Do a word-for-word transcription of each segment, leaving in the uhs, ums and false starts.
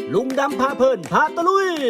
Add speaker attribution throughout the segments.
Speaker 1: ลุงดำพาเพลินพาตะลุย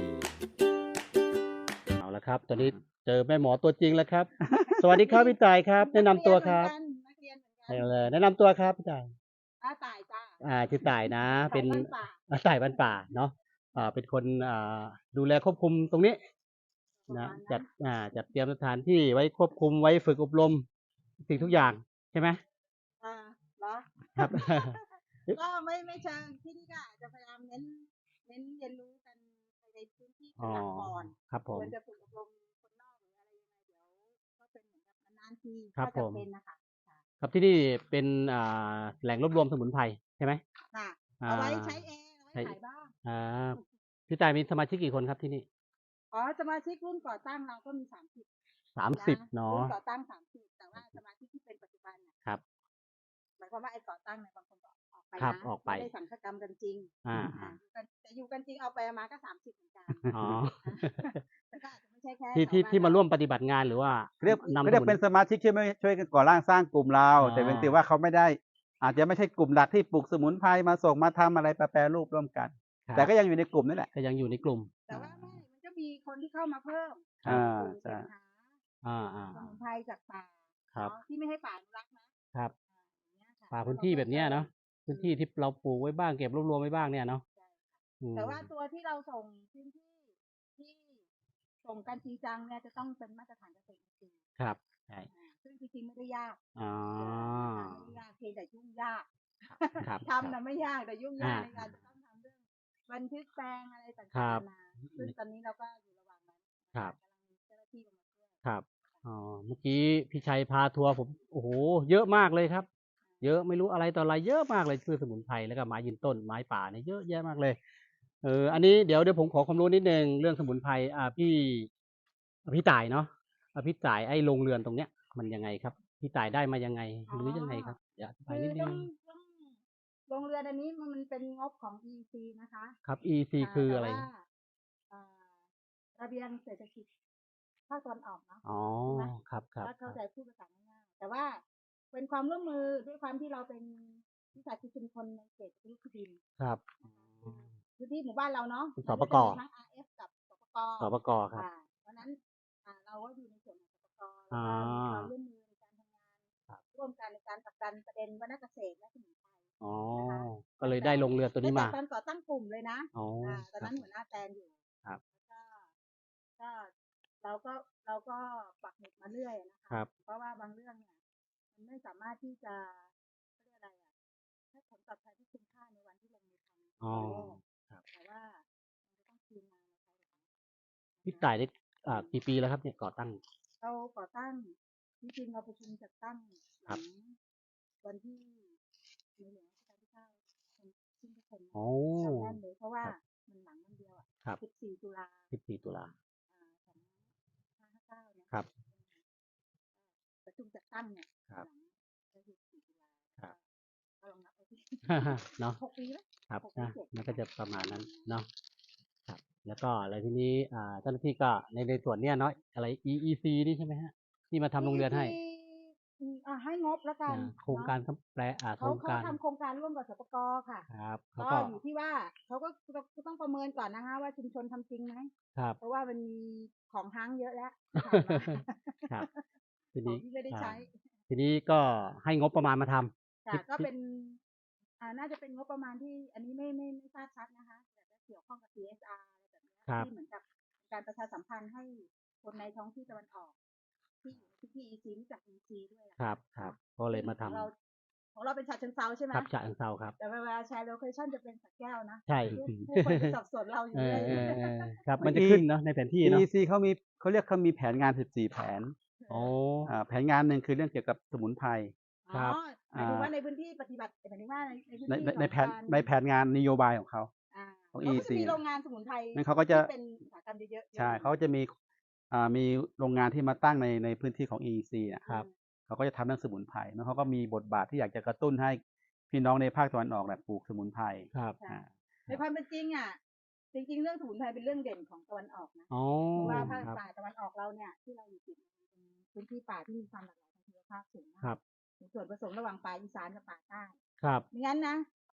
Speaker 2: เอาละครับ ตอนนี้เจอแม่หมอตัวจริงแล้วครับ สวัสดีครับพี่ต่ายครับ แนะนำตัวครับ
Speaker 3: นักเรียนเหมือนกัน
Speaker 2: เอาเลยแนะนำตัวครับพี่ต่าย
Speaker 3: อาต่ายจ้า
Speaker 2: อ่าชื่อต่ายนะ เป็น
Speaker 3: ต่ายบ้านป่า
Speaker 2: อ่าต่ายบ้านป่าเนาะอ่าเป็นคนอ่าดูแลควบคุมตรงนี้นะจัดอ่าจัดเตรียมสถานที่ไว้ควบคุมไว้ฝึกอบรมสิ่งทุกอย่างใช่ไหม
Speaker 3: อ่าเหรอ
Speaker 2: ครับ
Speaker 3: ก็ไม่ไม่เชิงที่นี่ก็อาจจะพยายามเน้นเน้นเรียนรู้กันในพื้นที่เป็นหลักก่อน
Speaker 2: ครับผม
Speaker 3: ควรจะฝึกอบรมคนนอกหรืออะไรยังไงเดี๋ยวก็เป็นเหมือนกับนานๆที
Speaker 2: ครั
Speaker 3: ก็
Speaker 2: บผม
Speaker 3: จำเป็นนะคะค่ะ
Speaker 2: ครับที่นี่เป็นอ่าแหล่งรวบรวมสมุนไพรใช่ไหม
Speaker 3: ค่ะ
Speaker 2: อ่า
Speaker 3: เอาไว้ใช้เองเอาไว้
Speaker 2: ใช้
Speaker 3: ขายบ้าง
Speaker 2: อ่าพี่ต่ายมีสมาชิกกี่คนครับที่นี่
Speaker 3: อ๋อสมาชิกรุ่นก่อตั้งเราก็มีสามสิบ
Speaker 2: สามสิบเนาะ
Speaker 3: รุ่นก่อตั้งสามสิบแต่ว่าสมาชิกที่เป็นปัจจุบันเนี่ย
Speaker 2: ครับ
Speaker 3: หมายความว่าไอ้ก่อตั้งเนี่ยบางคนก็ออกไป
Speaker 2: ครับ
Speaker 3: นะ
Speaker 2: ออกไป
Speaker 3: ไม่ได้สังฆกรรมกันจริง
Speaker 2: อ่า
Speaker 3: อ่าอยู่กันแต่อยู่กันจริงเอาไปเอามาก็สามสิบเหมือนกัน
Speaker 2: อ๋อ
Speaker 3: แต่ก็อาจจะไม่ใช่แค่
Speaker 2: ที่ที่
Speaker 3: ชวบ้น
Speaker 2: ที่มาร่วมปฏิบัติงานหรือว่า
Speaker 4: เรียก
Speaker 2: นำ
Speaker 4: เขาเรียก
Speaker 2: สมุ
Speaker 4: เป็นสมาชิกช่วยไม่ช่วยกันก่อร่างสร้างกลุ่มเรา
Speaker 2: อ๋อ
Speaker 4: แต่เป็นแต่ว่าเขาไม่ได้ อาจจะไม่ใช่กลุ่มหลักที่ปลูกสมุนไพรมาส่งมาทำอะไรแปรรูปร่วมกัน
Speaker 2: ครับ
Speaker 4: แต่ก็ยังอยู่ในกลุ่มนี่แหละ
Speaker 2: ก็ยังอยู่ในกลุ่ม
Speaker 3: แต่ว่าไม่มันก็มีคนที่เข้ามาเพิ่ม
Speaker 4: อ่า
Speaker 3: กลุ่ม
Speaker 4: ใช่
Speaker 3: เสพหา
Speaker 2: อ่าอ่า
Speaker 3: สมุนไพรจากป่า
Speaker 2: ครับ
Speaker 3: เนาะที่ไม่ให้ป่าอนุรักษ์นะครับ อ่าอย่างเงี้ยค่ะ
Speaker 2: ป่าพื้นที่แบบเนี้ยเนาะพื้นที่ที่เราปลูกไว้บ้างเก็บรวบรวมไว้บ้างเนี่ยเนาะ
Speaker 3: ใช่ค่ะ
Speaker 2: อืม
Speaker 3: แต่ว่าตัวที่เราส่งพื้นที่ที่ส่งกันจริงจังเนี่ยจะต้องเป็นมาตรฐานเกษตรจริง
Speaker 2: ครับใช่
Speaker 3: ๆอ่าซึ่งจริงๆไม่ได้ยาก
Speaker 2: อ๋อ
Speaker 3: ไม่ได้ยากเพียงแต่ยุ่งยาก
Speaker 2: ครับ
Speaker 3: ทำนะไม่ยากแต่ยุ่งยากในการจะต้องทำเรื่องบันทึกแปลงอะไรต่างๆ
Speaker 2: ครั
Speaker 3: นา
Speaker 2: บ
Speaker 3: นาซึ่งตอนนี้เราก็อยู่ระหว่างนั้น
Speaker 2: ครับ
Speaker 3: กำลังมีเจ้าหน้าที่ลงมาช่วย
Speaker 2: ครับอ๋อเมื่อกี้พี่ชัยพาทัวร์ผมโอ้โหเยอะมากเลยครับ เยอะไม่รู้อะไรต่ออะไรเยอะมากเลยพืชสมุนไพรแล้วก็ไม้ยืนต้นไม้ป่าเนี่ยเยอะแยะมากเลยเอออันนี้เดี๋ยวเดี๋ยวผมขอความรู้นิดนึงเรื่องสมุนไพรอ่าพี่พี่ต่ายเนาะอ่าพี่ต่ายไอ้โรงเรือนตรงเนี้ยมันยังไงครับพี่ต่ายได้มายังไงหรือยังไงครับอยากอธิบาย
Speaker 3: คื
Speaker 2: นิ
Speaker 3: อ
Speaker 2: ดนึ
Speaker 3: ต้อง งต้องโรงเรือนอันนี้มันมันเป็นงบของ อี ซี นะคะ
Speaker 2: ครับ อี ซี
Speaker 3: า
Speaker 2: คือ
Speaker 3: แต่
Speaker 2: อะไร
Speaker 3: ว่าอ่าระเบียงเศรษฐกิจภาคตะวันออกเนาะ
Speaker 2: อ๋อ
Speaker 3: ใช่ไหม
Speaker 2: ครับครับ
Speaker 3: ถ้าเข้าใจพูดภาษาง่ายๆแต่ว่าเป็นความร่วมมือด้วยความที่เราเป็นวิสาหกิจชุมชนในเขตพื้นที่ดิน
Speaker 2: ครับ
Speaker 3: พื้นที่หมู่บ้านเราเนาะ
Speaker 2: สปก
Speaker 3: มันจะมีทั้ง อาร์ เอฟ กับสปก
Speaker 2: สปกครับ
Speaker 3: อ่าเพราะฉะนั้นอ่าเราก็อยู่ในส่วนของสปก
Speaker 2: อ่า
Speaker 3: แล้วก็มีความร่วมมือในการทำงาน
Speaker 2: ครับ
Speaker 3: ร่วมกันในการผลักดันประเด็นวรรณเกษตรและสมุนไพร
Speaker 2: อ๋อ
Speaker 3: นะคะ
Speaker 2: ก็เลยได้โรงเรือนตัวนี้มา
Speaker 3: ตั้งแต่ตอนก่อตั้งกลุ่มเลยนะ
Speaker 2: อ๋อ
Speaker 3: อ่าตอน
Speaker 2: ครั
Speaker 3: นั้
Speaker 2: บ
Speaker 3: นหัวหน้าแตนอยู่
Speaker 2: ครับ
Speaker 3: แล้วก็ก็เราก็เราก็ปักหมุดมาเรื่อยนะ
Speaker 2: ครั
Speaker 3: คะ
Speaker 2: บ
Speaker 3: เพราะว่าบางเรื่องเนี่ยมันไม่สามารถที่จะเขาเรียกอะไรอ่ะให้ผลตอบแทนที่คุ้มค่าในวันที่ลงมือทำ
Speaker 2: อ๋อ
Speaker 3: ตอนแรก
Speaker 2: ครับ
Speaker 3: แต่ว่ามันจะต้องคืนมาในภายหลัง
Speaker 2: พี่ต่ายได้อ่ากี่ปีแล้วครับเนี่ยก่อตั้ง
Speaker 3: เราก่อตั้งจริงๆเราประชุมจัดตั้งห
Speaker 2: ครั
Speaker 3: ลั
Speaker 2: บ
Speaker 3: งวันที่ในหลวงรัชกาลที่เก้าเป็นขึ้นทุกคน
Speaker 2: โอ้
Speaker 3: จำแม่นเลยเพราะว่า
Speaker 2: ครับ
Speaker 3: มันหลังวันเดียวอ่ะ
Speaker 2: ครับ
Speaker 3: สิบสี่ ตุลา
Speaker 2: สิบสี่ ตุลา
Speaker 3: อ่าสองห้าห้าเก้าเนี่ย
Speaker 2: ครับ
Speaker 3: ประชุมจัดตั้งเนี่ย
Speaker 2: ครับ
Speaker 3: หลังก็คือสี่ตุลา
Speaker 2: ครับ
Speaker 3: ก็ลองนับไปที่
Speaker 2: เนาะ
Speaker 3: หกปีแล้ว
Speaker 2: ครับ
Speaker 3: หกปี
Speaker 2: นะ
Speaker 3: เจ็ด
Speaker 2: มันก็จะประมาณนั้นเนาะครับ แล้วก็อะไรทีนี้อ่าเจ้าหน้าที่ก็ในในส่วนเนี้ยเนาะอะไร อี อี ซี นี่ใช่ไหมฮะที่มาทำโรงเรือนให้
Speaker 3: อืมอ่าให้งบแล้วกัน
Speaker 2: อ่าโครงการแปลอ่าโค
Speaker 3: เขา
Speaker 2: รง
Speaker 3: เขา
Speaker 2: การ
Speaker 3: ทำโครงการร่วมกับสปกค่ะ
Speaker 2: ครับเขา
Speaker 3: ก็
Speaker 2: ก็
Speaker 3: อยู่ที่ว่าเขาก็ก็ต้องประเมินก่อนนะคะว่าชุมชนทำจริงไหม
Speaker 2: ครับ
Speaker 3: เพราะว่ามันมีของทั้งเยอะแล้วที่ผ่านมา
Speaker 2: ครับ ที
Speaker 3: ขอ
Speaker 2: นี้
Speaker 3: งที่ไม่ได้
Speaker 2: อ่า
Speaker 3: ใช้
Speaker 2: ทีนี้ก็ให้งบประมาณมาทำ
Speaker 3: ค่ะ
Speaker 2: ที่
Speaker 3: ก็
Speaker 2: ที่
Speaker 3: เป็น อ่า น่าจะเป็นงบประมาณที่ อันนี้ไม่ไม่ไม่ทราบชัดนะคะ แต่จะเกี่ยวข้องกับ ซี เอส อาร์ อะไรแบบเนี้ย
Speaker 2: ครับ
Speaker 3: ที่เหมือนกับการประชาสัมพันธ์ให้คนในท้องที่ตะวันออก ที่อยู่ในพื้นที่ อี ซี รู้จัก อี ซี ด้วยอะ
Speaker 2: ครับครับก็เลยมาทำ
Speaker 3: ของเราของเราเป็นฉะเชิงเทราใช่ไหม
Speaker 2: ครับฉะเชิงเทราครับ
Speaker 3: แต่เวลาแชร์โลเคชั่นจะเป็นสระแก้วนะ
Speaker 2: ใช่
Speaker 3: ผู้ผู้คนจะสับสนเราอยู่
Speaker 2: เอ
Speaker 3: เล
Speaker 2: อย เออเออครับ
Speaker 4: เมื่
Speaker 2: มัน
Speaker 4: อ
Speaker 2: จะ
Speaker 4: กี้
Speaker 2: ขึ้นเนาะในแผนที่เนาะ
Speaker 4: อี ซี เขามีเขาเรียกเขามีแผนงาน สิบสี่ แผน
Speaker 2: โอ้
Speaker 4: อ่าแผนงานหนึ่งคือเรื่องเกี่ยวกับสมุนไพร
Speaker 3: อ๋
Speaker 2: ครั
Speaker 3: อบ หมายถึงว่าในพื้นที่ปฏิบัติหมายถึงว่าในในพื้น
Speaker 4: ใน
Speaker 3: ที่
Speaker 4: ในในแผน
Speaker 3: ของการ
Speaker 4: ในแผนงานนโยบายของเขา
Speaker 3: อ่า
Speaker 4: ของ
Speaker 3: เขาก็จะ
Speaker 4: อี ซี
Speaker 3: มีโรงงานสมุนไพร
Speaker 4: นั่นเขาก็จะ
Speaker 3: ที่เป็นอุตสาหกรรมเยอะๆ
Speaker 4: ใช่เขาจะมีอ่ามีโรงงานที่มาตั้งในในพื้นที่ของ อี ซี นะ
Speaker 2: ครับ
Speaker 4: เขาก็จะทำเรื่องสมุนไพรแล้วเขาก็มีบทบาทที่อยากจะกระตุ้นให้พี่น้องในภาคตะวันออกเนี่ยปลูกสมุนไพร
Speaker 2: ครับ
Speaker 4: อ่า
Speaker 3: ในความเป็นจริงอ่ะ จริงๆ เรื่องสมุนไพรเป็นเรื่องเด่นของตะวันออกนะ
Speaker 2: อ๋อ
Speaker 3: เพราะว่าภาค
Speaker 2: ครับ
Speaker 3: ป่าตะวันออกเราเนี่ยที่เราอยู่ติดเป็นพื้นที่ป่าที่มีความหลากหลายทางชีวภาพสูงมาก
Speaker 2: ครับ
Speaker 3: มีส่วนผสมระหว่างป่าอีสานกับป่าใต้
Speaker 2: ครับ
Speaker 3: ไม่งั้นนะ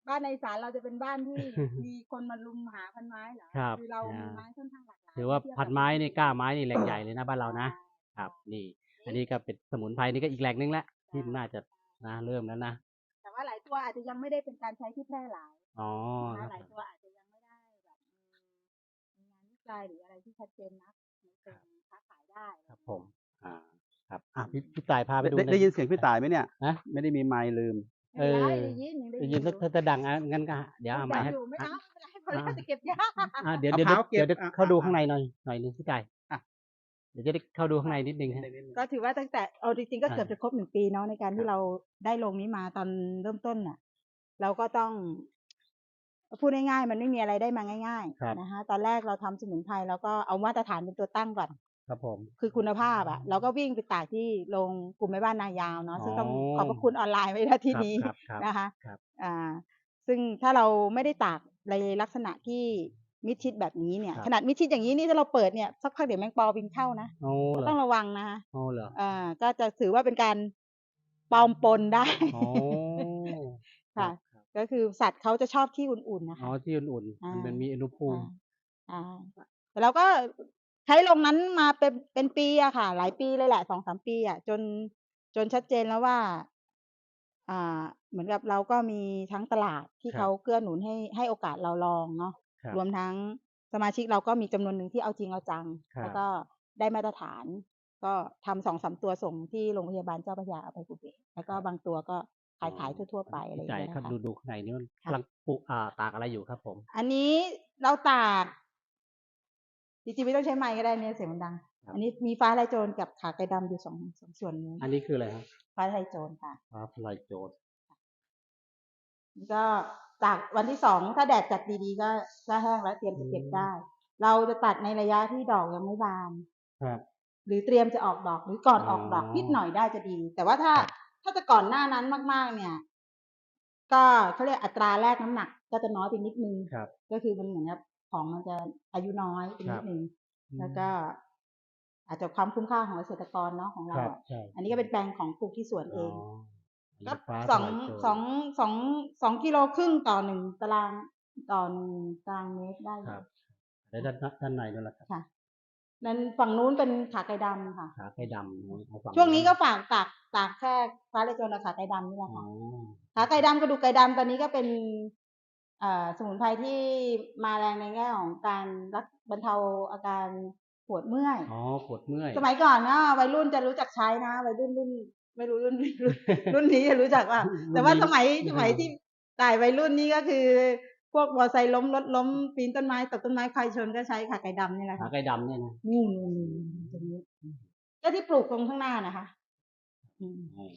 Speaker 3: บ้านในอีสานเราจะเป็นบ้านที่ มีคนมารุมหาพันไม้เหรอ
Speaker 2: ครับ
Speaker 3: อเรา
Speaker 2: อ่ามี
Speaker 3: มีไม้ค่อนข้างหลากหลาย
Speaker 2: ถือว่า
Speaker 3: เทียบ
Speaker 2: พั
Speaker 3: กัน บ
Speaker 2: ไม้นี่กล้า
Speaker 3: อื่น
Speaker 2: ไม้นี่แหล่งใหญ่เลยนะบ้านเรานะ
Speaker 3: ใช่
Speaker 2: ครับ นี่ อันนี้ก็เป็นสมุนไพรนี่ก็อีกแหล่งหนึ่งแล้วที่
Speaker 3: ใช่
Speaker 2: น่าจะนะเริ่มแล้วนะ
Speaker 3: แต่ว่าหลายตัวอาจจะยังไม่ได้เป็นการใช้ที่แพร่หลาย
Speaker 2: อ๋อ
Speaker 3: นะ
Speaker 2: ครั
Speaker 3: คะ
Speaker 2: บ
Speaker 3: หลายตัวอาจจะยังไม่ได้แบบมีมีงานวิจัยหรืออะไรที่ชัดเจนนักในเชิงค้าขายได้
Speaker 2: ครับผม อ่า ครับ อ่ะพี่ พี่ต่ายพาไป
Speaker 4: ได้
Speaker 2: ดู
Speaker 4: ได้
Speaker 2: หน่
Speaker 4: ได้
Speaker 2: อย
Speaker 4: ยินเสียงพี่ต่ายไหมเนี่ย
Speaker 2: ฮะ
Speaker 4: ไม่ได้มีไมค์ลืม
Speaker 2: เอ
Speaker 3: ไม่
Speaker 2: อ
Speaker 3: ได้ยินยังได้
Speaker 2: ได้
Speaker 3: ยิ
Speaker 2: ยิ
Speaker 3: น
Speaker 2: น
Speaker 3: อ
Speaker 2: สัก
Speaker 3: ยู่
Speaker 2: ถ้าจะดังอ่ะงั้นก็เดี๋ยว
Speaker 3: พู
Speaker 2: เอา
Speaker 3: ด
Speaker 2: ไม
Speaker 3: ดั
Speaker 2: ค์
Speaker 3: ง
Speaker 2: ให้
Speaker 3: อยู่ไม่
Speaker 2: อ่ะ
Speaker 3: เอาไม่เป็นไรพอแล้ว
Speaker 2: อ่า
Speaker 3: จะเก็บยาก
Speaker 2: อ่า เดี๋ยว
Speaker 4: มะ
Speaker 2: เดี๋ยว
Speaker 4: พร้าวเก็บ
Speaker 2: เดี๋ยว
Speaker 4: อ่ะ
Speaker 2: เข้าดู
Speaker 4: อ่ะ
Speaker 2: ข้างในหน่อย หน่อยหนึงพี่ต่าย
Speaker 4: อ่ะ
Speaker 2: เดี๋ยวจะได้เข้าดูข้างในนิดนึงฮะ
Speaker 3: ก็ถือว่าตั้งแต่เอาจริงๆก็
Speaker 2: อ่า
Speaker 3: เกือบจะครบหนึ่งปีเนาะในการ
Speaker 2: ค
Speaker 3: ที่
Speaker 2: รับ
Speaker 3: เราได้ลงนี้มาตอนเริ่มต้นน่ะ เราก็ต้อง พูดง่ายๆมันไม่มีอะไรได้มาง่าย
Speaker 2: ครับ
Speaker 3: ๆ นะคะ ตอนแรกเราทำสมุนไพรเราก็เอามาตรฐานเป็นตัวตั้งก่อน
Speaker 2: ครับผม
Speaker 3: คือคุณภาพอะเราก็วิ่งไปตากที่โรงกลุ่มแม่บ้านนายาวเนาะ
Speaker 2: อ๋อ
Speaker 3: ซึ่งต้องขอบพระคุณออนไลน์ไว้ ณ ที่
Speaker 2: ครับ
Speaker 3: นี้
Speaker 2: ครับ ครับ
Speaker 3: นะคะ
Speaker 2: ครับ
Speaker 3: อ่า ซึ่งถ้าเราไม่ได้ตากในลักษณะที่มิดชิดแบบนี้เนี่ย
Speaker 2: ครับ
Speaker 3: ขนาดมิดชิดอย่างนี้นี่ถ้าเราเปิดเนี่ยสักพักเดี๋ยวแมงปอบินเข้านะ
Speaker 2: อ๋อ
Speaker 3: ก็
Speaker 2: เหรอ
Speaker 3: ต้องระวังนะคะ
Speaker 2: อ๋อ เหรอ
Speaker 3: อ่า ก็จะถือว่าเป็นการปลอมปน ได้
Speaker 2: อ๋อ ค
Speaker 3: ค่ะ
Speaker 2: รับ ๆ
Speaker 3: ก็คือสัตว์เขาจะชอบที่อุ่นๆ น่ะ
Speaker 2: อ๋
Speaker 3: ค่
Speaker 2: อ
Speaker 3: ะ
Speaker 2: ที่อุ่น
Speaker 3: อา
Speaker 2: ๆ มันมีอุณหภูมิ
Speaker 3: อา อา แต่เราก็ใช้โรงนั้นมาเป็น เป็นปีอะค่ะ หลายปีเลยแหละ สองสาม ปีอะ จน จนชัดเจนแล้วว่า อ่า เหมือนกับเราก็มีทั้งตลาดที่
Speaker 2: ครั
Speaker 3: เขา
Speaker 2: บ
Speaker 3: เกื้อหนุนให้ ให้โอกาสเราลองเนาะ
Speaker 2: ครับ
Speaker 3: รวมทั้งสมาชิกเราก็มีจำนวนหนึ่งที่เอาจริงเอาจัง
Speaker 2: ครั
Speaker 3: แล้ว
Speaker 2: บ
Speaker 3: ก็ได้มาตรฐาน ก็ทำ สองสาม ตัวส่งที่โรงพยาบาลเจ้าพระยาอภัยภูเบศร แล้วก็
Speaker 2: ครับ
Speaker 3: บางตัวก็
Speaker 2: อ๋
Speaker 3: ขา
Speaker 2: อ
Speaker 3: ย ขายทั่ว ๆ ไป อะไรอ
Speaker 2: พี่
Speaker 3: ย่า
Speaker 2: ต่าง ย
Speaker 3: เงี้ย
Speaker 2: ครับ
Speaker 3: ค่ะ
Speaker 2: ดู ดูข้างในนี่มันกำ
Speaker 3: ค่ะ
Speaker 2: ลังปลูก อ่า ตากอะไรอยู่ครับผม?
Speaker 3: อันนี้เราตาก จริง ๆ ไม่ต้องใช้ไมค์ก็ได้เนี่ยเสียงมันดัง
Speaker 2: ครั
Speaker 3: อั
Speaker 2: บ
Speaker 3: นนี้มีฟ้าทะลายโจรกับข่าไก่ดำอยู่ สอง สอง ส่วนนี้
Speaker 2: อันนี้คืออะไรครับ?
Speaker 3: ฟ้าทะลายโจรค่ะ
Speaker 2: ฟ้าทะลายโจร
Speaker 3: ก็ตากวันที่ สอง ถ้าแดดจัดดี ๆ ก็ ก็แห้งแล้วเตรียม
Speaker 2: อื
Speaker 3: จะเก็บได
Speaker 2: ม
Speaker 3: ้ เราจะตัดในระยะที่ดอกยังไม่บาน
Speaker 2: ครับ
Speaker 3: หรือเตรียมจะออกดอก หรือก่อน
Speaker 2: อ๋อ
Speaker 3: ออกดอกนิดหน่อยได้จะดี แต่ว่าถ้า
Speaker 2: ครับ
Speaker 3: ถ้าจะก่อนหน้านั้นมาก ๆ เนี่ย ก็เขาเรียกอัตราแลกน้ำหนักก็จะน้อยไปนิดหนึ่ง
Speaker 2: ครับ
Speaker 3: ก็คือมันเหมือนกับของมันจะอายุน้อยไป
Speaker 2: คร
Speaker 3: นิ
Speaker 2: ั
Speaker 3: ด
Speaker 2: บ
Speaker 3: หนึ่ง
Speaker 2: อื
Speaker 3: แล้วก็
Speaker 2: ม
Speaker 3: อาจจะความคุ้มค่าของเกษตรกรเนาะของเรา
Speaker 2: ครับ
Speaker 3: อะ
Speaker 2: ใช่
Speaker 3: อันนี้ก็เป็นแปลงของปลูกที่สวน
Speaker 2: อ๋อ
Speaker 3: เอง
Speaker 2: อัน
Speaker 3: ก็
Speaker 2: นี้ฟ้า
Speaker 3: ส
Speaker 2: ท
Speaker 3: อง
Speaker 2: ลายโจร
Speaker 3: สอง สอง สอง กิโลครึ่งต่อ หนึ่ง ตาราง ต่อ หนึ่ง ตารางเมตรได้อ
Speaker 2: คร
Speaker 3: ยู่
Speaker 2: ับ แล้วด้าน ด้าน ด้านในนู่นล่ะครับ?
Speaker 3: ค่ะ นั้นฝั่งนู้นเป็นข่าไก่ดำค่ะ
Speaker 2: ขาไก่ดำ อ๋อ เอาฝั่ง
Speaker 3: ช่วง
Speaker 2: นู้
Speaker 3: นี้
Speaker 2: น
Speaker 3: ก็ฝาก ตาก ตากแค่ฟ้าทะลายโจรกับข่าไก่ดำนี่แหละ
Speaker 2: อ๋
Speaker 3: ค่ะ
Speaker 2: อ
Speaker 3: ขาไก่ดำ กระดูกไก่ดำ ตอนนี้ก็เป็น เอ่อ สมุนไพรที่มาแรงในแง่ของการรัก บรรเทาอาการปวดเมื่อย
Speaker 2: อ๋อ ปวดเมื่อย
Speaker 3: สมัยก่อนก็วัยรุ่นจะรู้จักใช้นะ วัยรุ่นรุ่น ไม่รู้รุ่น รุ่น รุ่นนี้จะรู้จักเปล่า แต่ว่าสมัย สมัยที่ต่ายวัยรุ่นนี่ ก็คือพวกมอไซค์ล้ม รถล้ม ปีนต้นไม้ ตกต้นไม้ ใครชนก็ใช้ข่าไก่ดำนี่แหละ
Speaker 2: ข
Speaker 3: ค่
Speaker 2: า
Speaker 3: ะ
Speaker 2: ไก่ดำเนี่ยนะ
Speaker 3: นู่น ๆ ๆ ตรงนี้ ก็ที่ปลูกตรงข้างหน้าน่ะค่ะ อืม
Speaker 2: อ๋อ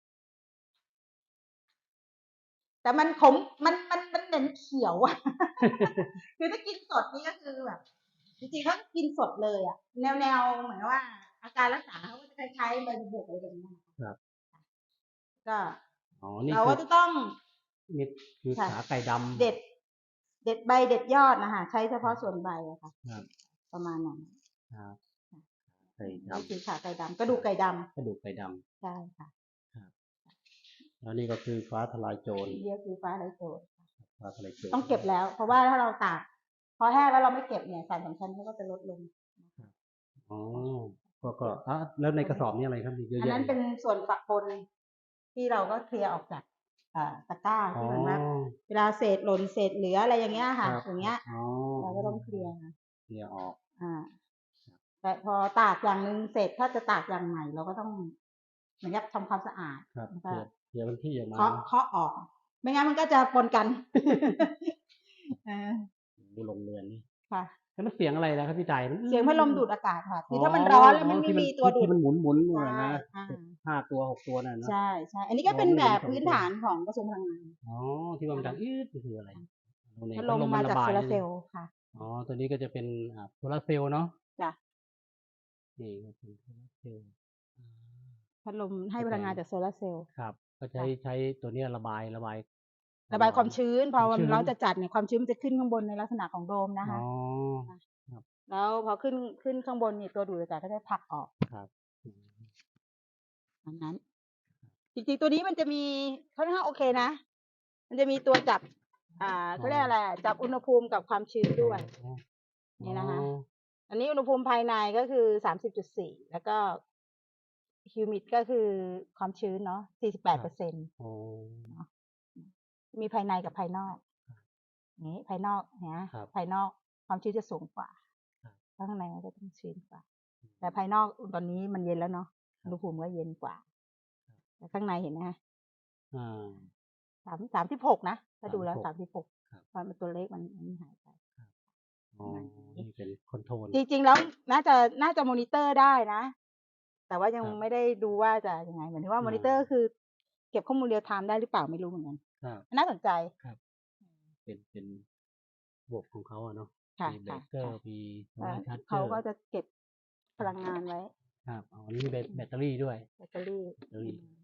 Speaker 3: แต่มันขม มัน มัน มันเหม็นเขียว อะ คือถ้ากินสดนี่ก็คือแบบ จริง ๆ ถ้ากินสดเลยอะ แนว ๆ เหมือนกับว่า อาการรักษาเขาก็จะคล้าย ๆ ใบบัวบก อะไรแบบเนี้ย
Speaker 2: ครับ
Speaker 3: ก็
Speaker 2: อ๋อ นี่
Speaker 3: เรา
Speaker 2: คื
Speaker 3: ก็
Speaker 2: อ
Speaker 3: จะต้อง
Speaker 2: นี่คือ
Speaker 3: ค่ะ
Speaker 2: ขาไก่ดำ
Speaker 3: เด็ด เด็ดใบเด็ดยอดน่ะค่ะ ใช้เฉพาะส่วนใบอะค่ะ
Speaker 2: ครับ
Speaker 3: ประมาณนั้น
Speaker 2: ครับ
Speaker 3: ค่ะ
Speaker 2: ไก่ด
Speaker 3: นี่คือ
Speaker 2: ำ
Speaker 3: ข่าไก่ดำ กระดูกไก่ดำ
Speaker 2: กระดูกไก่ดำ
Speaker 3: ใช่ค่ะ
Speaker 2: ครับ แล้วนี่ก็คือฟ้าทะลายโจร
Speaker 3: นี่ก็คือฟ้าทะลายโจร
Speaker 2: ฟ้าทะลายโจร
Speaker 3: ต้องเก็บแล้ว เพราะว่าถ้าเราตาก พอแห้งแล้วเราไม่เก็บเนี่ย สารสำคัญเขาก็จะลดลง
Speaker 2: ครับ อ๋อ ก็ ก็ อา แล้วในกระสอบนี่อะไรครับ? มีเยอะ
Speaker 3: อัน
Speaker 2: แยะ
Speaker 3: นั้นเป็นส่วนปะปน ที่เราก็เคลียร์ออกจาก อ่า ตะกร้า
Speaker 2: อ๋อ
Speaker 3: ที่เหมือนว่า เวลาเศษหล่น เศษเหลือ อะไรอย่างเงี้ย
Speaker 2: คร
Speaker 3: ค่ะ
Speaker 2: ับ
Speaker 3: อย่างเงี้ย
Speaker 2: อ๋อ
Speaker 3: เราก็ต้องเคลียร์
Speaker 2: เคลียร์ออก
Speaker 3: อ่า
Speaker 2: ครับ
Speaker 3: แต่พอตากอย่างหนึ่งเสร็จ ถ้าจะตากอย่างใหม่ เราก็ต้อง เหมือนกับทำความสะอาด
Speaker 2: ครับ
Speaker 3: แล้ว
Speaker 2: เค
Speaker 3: ก็
Speaker 2: ลียร์ เคลียร์พื้นที่ออกมา
Speaker 3: เคาะ
Speaker 2: เนาะ
Speaker 3: เคาะออก ไม่งั้นมันก็จะปนกัน เออ
Speaker 2: โอ้โฮ โรงเรือนนี่
Speaker 3: ค่ะ
Speaker 2: แล้วมันเสียงอะไรล่ะครับพี่ต่าย?
Speaker 3: เสียงพัดลมดูดอากาศค่ะ ค
Speaker 2: อื๋อ
Speaker 3: อถ้ามันร้อนแล้ว
Speaker 2: อ๋อ
Speaker 3: มันไม่
Speaker 2: ที่มัน
Speaker 3: มีตัวดู
Speaker 2: ที่
Speaker 3: ด
Speaker 2: มันหมุน ๆ นู่น
Speaker 3: ใช่
Speaker 2: น่ะนะ
Speaker 3: อา
Speaker 2: ห้า ตัว หก ตัวนั่นน่ะเนาะ
Speaker 3: ใช่ ๆ อันนี้
Speaker 2: อ๋อ
Speaker 3: ก็เป็น
Speaker 2: ไม่
Speaker 3: แบ
Speaker 2: เห็น
Speaker 3: บ
Speaker 2: สอง
Speaker 3: พื้น
Speaker 2: ตัว
Speaker 3: ฐานของกระทรวงพลังงาน
Speaker 2: อ๋อ ที่ว่ามันดัง นี่คืออะไร? โอ้ นี่
Speaker 3: พัด
Speaker 2: พั
Speaker 3: ล
Speaker 2: ด
Speaker 3: ม
Speaker 2: ลม
Speaker 3: ม
Speaker 2: มั
Speaker 3: าน
Speaker 2: ร
Speaker 3: จาก
Speaker 2: บา
Speaker 3: โซ
Speaker 2: ย
Speaker 3: ลา
Speaker 2: ใช่
Speaker 3: ร์
Speaker 2: ไหม?
Speaker 3: เซลล์ค่ะ
Speaker 2: อ๋อ ตัวนี้ก็จะเป็น อ่า โซลาร์เซลล์เนาะ
Speaker 3: จ้ะ
Speaker 2: นี่ก็เป็นโซลาร์เซลล์ อา
Speaker 3: พัดลมให้
Speaker 2: ก็
Speaker 3: พ
Speaker 2: จะ
Speaker 3: ลังงานจากโซลาร์เซลล์
Speaker 2: ครับ ก็ใช้
Speaker 3: ค่ะ
Speaker 2: ใช้ตัวเนี้ยระบาย ระบายค
Speaker 3: ระบายความ
Speaker 2: ร้อน
Speaker 3: ชื้น พ
Speaker 2: ควา
Speaker 3: อ
Speaker 2: มชื้
Speaker 3: มันร้อน
Speaker 2: น
Speaker 3: จัด ๆ เนี่ย ความชื้นมันจะขึ้นข้างบนในลักษณะของโดมนะ
Speaker 2: อ๋
Speaker 3: ค
Speaker 2: อ
Speaker 3: ค่ะ
Speaker 2: ครับ
Speaker 3: แล้วพอขึ้น ขึ้นข้างบนนี่ ตัวดูดอากาศก็จะผลักออก
Speaker 2: ครับ อืม
Speaker 3: ตามนั้น จริง ๆ ตัวนี้มันจะมี ค่อนข้างโอเคนะมันจะมีตัวจับ อ่าเขาเรียกอะไรจับอุณหภูมิกับความชื้นด้วย
Speaker 2: อ๋อ
Speaker 3: นี่นะคะ
Speaker 2: อ๋อ
Speaker 3: อันนี้อุณหภูมิภายในก็คือสามสิบจุดสี่แล้วก็ฮิวมิดก็คือความชื้นเนาะสี่สิบแปดเปอร์เซ็นต์
Speaker 2: อ๋อ
Speaker 3: มีภายในกับภายนอกนี้ภายนอกนะครับ ภายนอกความชื้นจะสูงกว่า
Speaker 2: ครับ
Speaker 3: ข้างในมันจะต้องชื้นกว่า แต่ภายนอกตอนนี้มันเย็นแล้วเนาะอุณหภูมิก็เย็นกว่า แต่ข้างในเห็นไหมคะ
Speaker 2: อ่า
Speaker 3: สามสามสิบหกนะถ้าดูแล้วสามสิบหก
Speaker 2: ครับ
Speaker 3: ตอนมันตัวเลขมันมันหายไป
Speaker 2: อ๋อ นี่เป็นคอนโทรล
Speaker 3: จริงๆแล้วน่าจะน่าจะมอนิเตอร์ได้นะ แต่ว่ายัง
Speaker 2: ครับ
Speaker 3: ไม่ได้ดูว่าจะยังไงเหมือนที่ว่า
Speaker 2: อ่าม
Speaker 3: มอนิเตอร์คือ เก็บข้อมูลเรียลไทม์ได้หรือเปล่าไม่รู้เหมือนกัน
Speaker 2: ครับ
Speaker 3: น่าสนใจ
Speaker 2: ครับ เป็น เป็นระบบของเขาอะเนาะ
Speaker 3: ค่ะ
Speaker 2: มีเบร
Speaker 3: ค่ะ
Speaker 2: กเกอร์
Speaker 3: ค่ะ
Speaker 2: มี
Speaker 3: เอ่อ
Speaker 2: ชาร์จเจ
Speaker 3: เขา
Speaker 2: อร์
Speaker 3: ก็จะเก็บพลังงานไว้
Speaker 2: ครับ อ๋อ นี่มีแบต แบตเตอรี่ด้วย
Speaker 3: แบตเตอรี่
Speaker 2: แบตเตอรี่
Speaker 3: อืม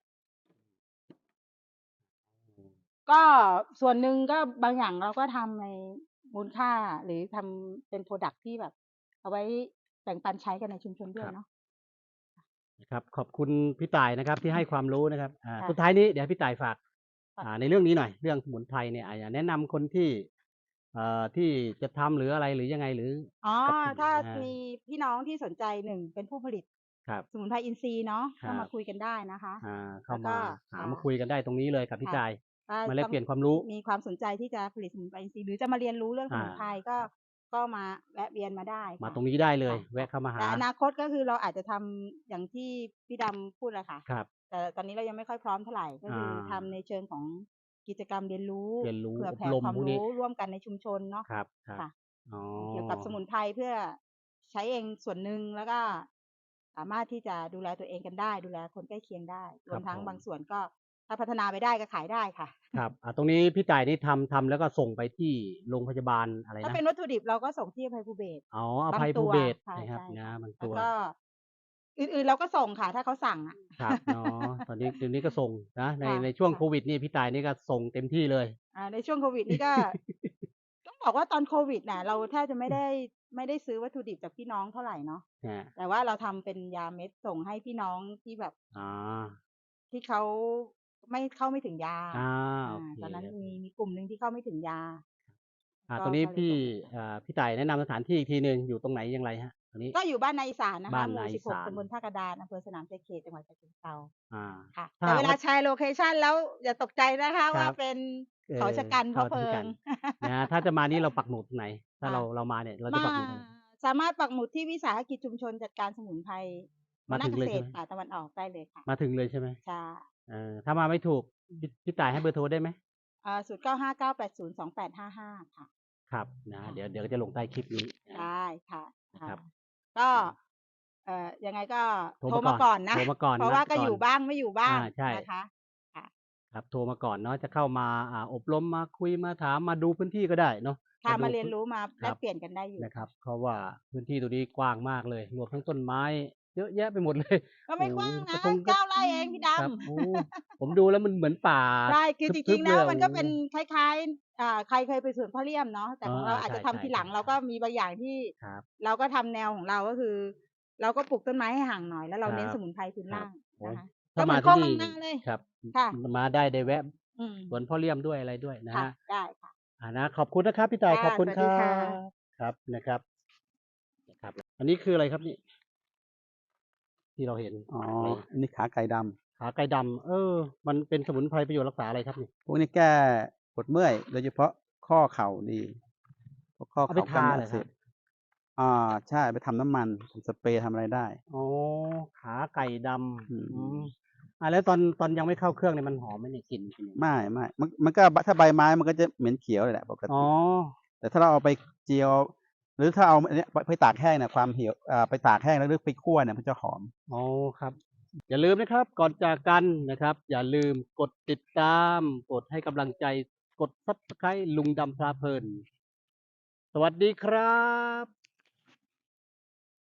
Speaker 3: ก็ส่วนหนึ่งก็บางอย่างเราก็ทำในมูลค่า หรือทำเป็น พรอดักต์ ที่แบบ เอาไว้แบ่งปันใช้กันในชุมชนด้ว
Speaker 2: ครั
Speaker 3: ย
Speaker 2: บ
Speaker 3: เนาะ
Speaker 2: นะครับ ขอบคุณพี่ต่ายนะครับ ที่ให้ความรู้นะครับ อ่า
Speaker 3: ค่ะ
Speaker 2: สุดท้ายนี้เดี๋ยวให้พี่ต่ายฝาก
Speaker 3: ค่ะ
Speaker 2: อ่า ในเรื่องนี้หน่อย เรื่องสมุนไพรเนี่ย อ่า อยากแนะนำคนที่ เอ่อ ที่จะทำหรืออะไรหรือยังไง หรือ
Speaker 3: อ๋อ
Speaker 2: กับกลุ่ม
Speaker 3: ถ้า
Speaker 2: อ่า
Speaker 3: มีพี่น้องที่สนใจ หนึ่ง เป็นผู้ผลิต
Speaker 2: ครับ
Speaker 3: สมุนไพรอินทรีย์เนาะ
Speaker 2: ครั
Speaker 3: เข้ามา
Speaker 2: บ
Speaker 3: คุยกันได้นะคะ
Speaker 2: อ่า เข้า
Speaker 3: แล้วก็
Speaker 2: มา หา
Speaker 3: ค่ะ
Speaker 2: มาคุยกันได้ตรงนี้เลยกับพี่
Speaker 3: ค่ะ
Speaker 2: ต่าย
Speaker 3: ถ้า
Speaker 2: มาแล
Speaker 3: ต้
Speaker 2: ก
Speaker 3: อง
Speaker 2: เปลี่ยนความรู้
Speaker 3: มีความสนใจที่จะผลิตสมุนไพรอินทรีย์ หรือจะมาเรียนรู้เรื่องส
Speaker 2: อ่า
Speaker 3: มุนไพร ก็
Speaker 2: ครับ
Speaker 3: ก็มาแวะเวียนมาได้
Speaker 2: มา
Speaker 3: ค่ะ
Speaker 2: ตรงนี้ได้เลย
Speaker 3: ค่ะ
Speaker 2: แวะเข้ามาหา
Speaker 3: แต่อนาคตก็คือเราอาจจะทำอย่างที่พี่ดำพูดอะค่ะ
Speaker 2: ครับ
Speaker 3: แต่ตอนนี้เรายังไม่ค่อยพร้อมเท่าไร ก็คือทำ
Speaker 2: อา
Speaker 3: ในเชิงของกิจกรรมเรียนรู้
Speaker 2: เรียนรู้
Speaker 3: เผื่อ
Speaker 2: อบ
Speaker 3: แผ่
Speaker 2: รม
Speaker 3: ความ
Speaker 2: พวก
Speaker 3: ร
Speaker 2: นี้
Speaker 3: ู้ร่วมกันในชุมชนเนาะ
Speaker 2: ครับ ครับ
Speaker 3: ค่ะ
Speaker 2: อ๋อ
Speaker 3: เกี่ยวกับสมุนไพรเพื่อใช้เองส่วนหนึ่ง แล้วก็สามารถที่จะดูแลตัวเองกันได้ ดูแลคนใกล้เคียงได้ ร
Speaker 2: คว รั
Speaker 3: ม
Speaker 2: บ
Speaker 3: ทั้ง
Speaker 2: ผม
Speaker 3: บางส่วนก็ถ้าพัฒนาไปได้ก็ขายได้ค่ะ
Speaker 2: ครับ อ่า ตรงนี้พี่ต่ายนี่ทำ ทำแล้วก็ส่งไปที่โรงพยาบาลอะไร
Speaker 3: ถ้า
Speaker 2: นะ
Speaker 3: เป็นวัตถุดิบเราก็ส่งที่อภัยภูเบศร
Speaker 2: อ๋อ อบ
Speaker 3: าง
Speaker 2: ภัย
Speaker 3: ตั
Speaker 2: ภู
Speaker 3: ว
Speaker 2: เบศร
Speaker 3: ใช่
Speaker 2: นะครับ
Speaker 3: ใช่
Speaker 2: นะ
Speaker 3: ค่ะ
Speaker 2: บาง
Speaker 3: แล้
Speaker 2: ตัว
Speaker 3: วก็ อื่น ๆ เราก็ส่งค่ะ ถ้าเขาสั่งอะ
Speaker 2: ครับ อ๋อ ตอนนี้ เดี๋ยวนี้ก็ส่งนะ ใน
Speaker 3: ค่ะ
Speaker 2: ในช่วง
Speaker 3: ค่ะ
Speaker 2: โควิดนี่พี่ต่ายนี่ก็ส่งเต็มที่เลย
Speaker 3: อ่า ในช่วงโควิดนี่ ก็ ต้องบอกว่าตอนโควิดน่ะ เราแทบจะไม่ได้ ไม่ได้ซื้อวัตถุดิบจากพี่น้องเท่าไรเนาะ
Speaker 2: ครับ
Speaker 3: แต่ว่าเราทำเป็นยาเม็ดส่งให้พี่น้องที่แบบ
Speaker 2: อ๋อ
Speaker 3: ที่เขาไม่ เข้าไม่ถึงยา
Speaker 2: อา
Speaker 3: อ่า
Speaker 2: โอเค
Speaker 3: ตอนนั้น
Speaker 2: โอเค
Speaker 3: มี มีกลุ่มหนึ่งที่เข้าไม่ถึงยา
Speaker 2: อ่า
Speaker 3: ก็
Speaker 2: ตรงนี้
Speaker 3: ก็เลย
Speaker 2: พี่
Speaker 3: ส่งไป
Speaker 2: อ่า พี่ต่ายแนะนำสถานที่อีกทีหนึ่ง อยู่ตรงไหนอย่างไรครับ? ตรงนี้
Speaker 3: ก็อยู่บ้านนาอีสานนะ
Speaker 2: บ้า
Speaker 3: คะ
Speaker 2: น
Speaker 3: หม
Speaker 2: นูา
Speaker 3: ่
Speaker 2: อี
Speaker 3: สิบหก
Speaker 2: สาน
Speaker 3: ตำบลท่ากระดาน อำเภอสนามชัยเขต จังหวัดฉะเชิงเทรา
Speaker 2: อ่า
Speaker 3: ค่ะ
Speaker 2: ถ้า
Speaker 3: แต่
Speaker 2: หา
Speaker 3: เว
Speaker 2: ก
Speaker 3: ลา
Speaker 2: ว่า
Speaker 3: แชร์โลเคชันแล้วอย่าตกใจนะคะ
Speaker 2: ค
Speaker 3: ว่
Speaker 2: รั
Speaker 3: า
Speaker 2: บ
Speaker 3: เป็น
Speaker 2: เอ
Speaker 3: เขาชะกัน เพ
Speaker 2: เขา
Speaker 3: ราะเพลิ
Speaker 2: ชะกั
Speaker 3: ง
Speaker 2: น นะ ถ้าจะมานี่เราปักหมุดตรงไหน? ถ้า
Speaker 3: ค่ะ
Speaker 2: เรา เรามาเนี่ย เราจะ
Speaker 3: มา
Speaker 2: ปักหมุดตรงไหน?
Speaker 3: สามารถปักหมุดที่วิสาหกิจชุมชนจัดการสมุนไพร ว
Speaker 2: มา
Speaker 3: น
Speaker 2: ถึง
Speaker 3: เก
Speaker 2: เลย
Speaker 3: ษ
Speaker 2: ใช่ไหม?
Speaker 3: ป่าตะวันออกได้เลยค่ะ
Speaker 2: มาถึงเลยใช่ไหม?
Speaker 3: ใช่
Speaker 2: เออ ถ้ามาไม่ถูก พี่ พี่ต่ายให้เบอร์โทรได้ไหม?
Speaker 3: อ่า ศูนย์ เก้า ห้า เก้า แปด ศูนย์ สอง แปด ห้า ห้า ค่ะ
Speaker 2: ครับ นะ
Speaker 3: ค่ะ
Speaker 2: เดี๋ยว เดี๋ยวจะลงใต้คลิปนี้
Speaker 3: ได
Speaker 2: นะ
Speaker 3: ้ค่ะ
Speaker 2: นะ
Speaker 3: ค่
Speaker 2: ครั
Speaker 3: ะ
Speaker 2: บ
Speaker 3: ก็ เอ่อ ยังไงก็
Speaker 2: โทร
Speaker 3: โทร
Speaker 2: มา
Speaker 3: มา
Speaker 2: ก่
Speaker 3: ก่
Speaker 2: อ
Speaker 3: อน นนะ
Speaker 2: โทรมาก่อน
Speaker 3: เพราะ
Speaker 2: นั
Speaker 3: ว่า
Speaker 2: ด
Speaker 3: ก็
Speaker 2: ก่อ
Speaker 3: อน ยู่บ้างไม่อยู่บ้า
Speaker 2: อ
Speaker 3: ง
Speaker 2: า ใช่
Speaker 3: นะคะ ค่ะ
Speaker 2: ครับ โทรมาก่อนเนาะ จะเข้ามา อ่า อบรม มาคุย มาถาม มาดูพื้นที่ก็ได้เนาะ
Speaker 3: ค่ะ
Speaker 2: ดู
Speaker 3: มาเรีย
Speaker 2: พ
Speaker 3: นรู้ มาแ
Speaker 2: คร
Speaker 3: ลกั
Speaker 2: บ
Speaker 3: เปลี่ยนกันได้อยู่
Speaker 2: นะครับ เพราะว่าพื้นที่ตรงนี้กว้างมากเลย รวมทั้งต้นไม้เยอะแยะไปหมด เลย
Speaker 3: ก็ไ
Speaker 2: โอ
Speaker 3: ม่
Speaker 2: ้โฮ
Speaker 3: กว้าง
Speaker 2: ก
Speaker 3: นะ
Speaker 2: ระทงก
Speaker 3: เ
Speaker 2: ระ
Speaker 3: ก้า ไร่เองพี่ด
Speaker 2: ครับ
Speaker 3: ำ
Speaker 2: โอ้ ผมดูแล้วมันเหมือนป่า
Speaker 3: ใช่ คือจ
Speaker 2: ทึ
Speaker 3: ริ
Speaker 2: บ
Speaker 3: ง ๆ
Speaker 2: ๆ
Speaker 3: แ
Speaker 2: เ
Speaker 3: ล
Speaker 2: ล้ย
Speaker 3: ว
Speaker 2: อะ
Speaker 3: มัน
Speaker 2: โอ
Speaker 3: ก็
Speaker 2: ้
Speaker 3: เป็นคล้าย ๆ อ่า ใครเคยไปสวนพ่อเลี่ยมเนาะ แต่
Speaker 2: เออ
Speaker 3: ของเราอาจ
Speaker 2: ใ
Speaker 3: จะทำ
Speaker 2: ช่
Speaker 3: ทีหลัง
Speaker 2: ๆ
Speaker 3: เราก็มีบางอย่างที่
Speaker 2: ๆ ครับ
Speaker 3: เราก็ทำแนวของเรา ก็คือ เราก็ปลูกต้นไม้ให้ห่างหน่อย แล้วเรา
Speaker 2: คร
Speaker 3: เน้นัส
Speaker 2: บ
Speaker 3: มุนไพรพื้น
Speaker 2: คร
Speaker 3: ลั่า
Speaker 2: บ
Speaker 3: ง
Speaker 2: โอ้
Speaker 3: นะคะ
Speaker 2: ถ้
Speaker 3: ก็
Speaker 2: า
Speaker 3: เหม
Speaker 2: มืา
Speaker 3: อน
Speaker 2: ท
Speaker 3: โคี
Speaker 2: ่
Speaker 3: ก
Speaker 2: นี่
Speaker 3: บางนาเลย
Speaker 2: ครับ
Speaker 3: ค่ะ
Speaker 2: ม มาได้ ได้แวะ
Speaker 3: อืม
Speaker 2: สวนพ่อเลี่ยมด้วยอะไรด้วยนะ
Speaker 3: ค่
Speaker 2: ค
Speaker 3: ะ ได้ค่ะ
Speaker 2: อ่า นะ ขอบคุณนะครับพี่ต่า
Speaker 3: ค
Speaker 2: ย
Speaker 3: ่ะ
Speaker 2: ขอบคุณ
Speaker 3: สวัส
Speaker 2: คร
Speaker 3: ดี
Speaker 2: ั
Speaker 3: ค่ะ
Speaker 2: บ ครับ นะครับ นะครับ อันนี้คืออะไรครับนี่? ที่เราเห็น
Speaker 4: อ๋อ
Speaker 2: อะไร?
Speaker 4: อันนี้ขาไก่ดำ
Speaker 2: ขาไก่ดำ เออ มันเป็นสมุนไพรประโยชน์รักษาอะไรครับนี่?
Speaker 4: พวกนี้แก้ปวดเมื่อย โดยเฉพาะข้อเข่าดี พวกข้อ
Speaker 2: เอา
Speaker 4: เข
Speaker 2: ไป่
Speaker 4: าก
Speaker 2: ท
Speaker 4: ล้าม
Speaker 2: า
Speaker 4: เนื้อ
Speaker 2: เ
Speaker 4: อ
Speaker 2: หั
Speaker 4: กเส
Speaker 2: รอครับ?
Speaker 4: บ อ่า ใช่ ไปทำน้ำมัน ทำสเปรย์ ทำอะไรได้
Speaker 2: อ๋อ ขาไก่ดำ
Speaker 4: อื
Speaker 2: อืม
Speaker 4: ม
Speaker 2: อ่า แล้วตอน ตอนยังไม่เข้าเครื่องเนี่ยมันหอมไหมเนี่ย? กลิ่นเป็นยังไง?
Speaker 4: ไม่ ๆ มัน มันก็ บ ถ้าใบไม้มันก็จะเหม็นเขียวเลยแหละปก
Speaker 2: อ๋อ
Speaker 4: ติ แต่ถ้าเราเอาไปเจียว หรือถ้าเอาอันเนี้ย ไป ไปตากแห้งเนี่ย ความเหี่ยว อ่า ไปตากแห้งแล้วหรือไปคั่วเนี่ยมันจะหอม
Speaker 2: อ๋อ ครับ อย่าลืมนะครับ ก่อนจากกันนะครับ อย่าลืมกดติดตาม กดให้กำลังใจ กด Subscribe ลุงดำพาเพลิน สวัสดีครับ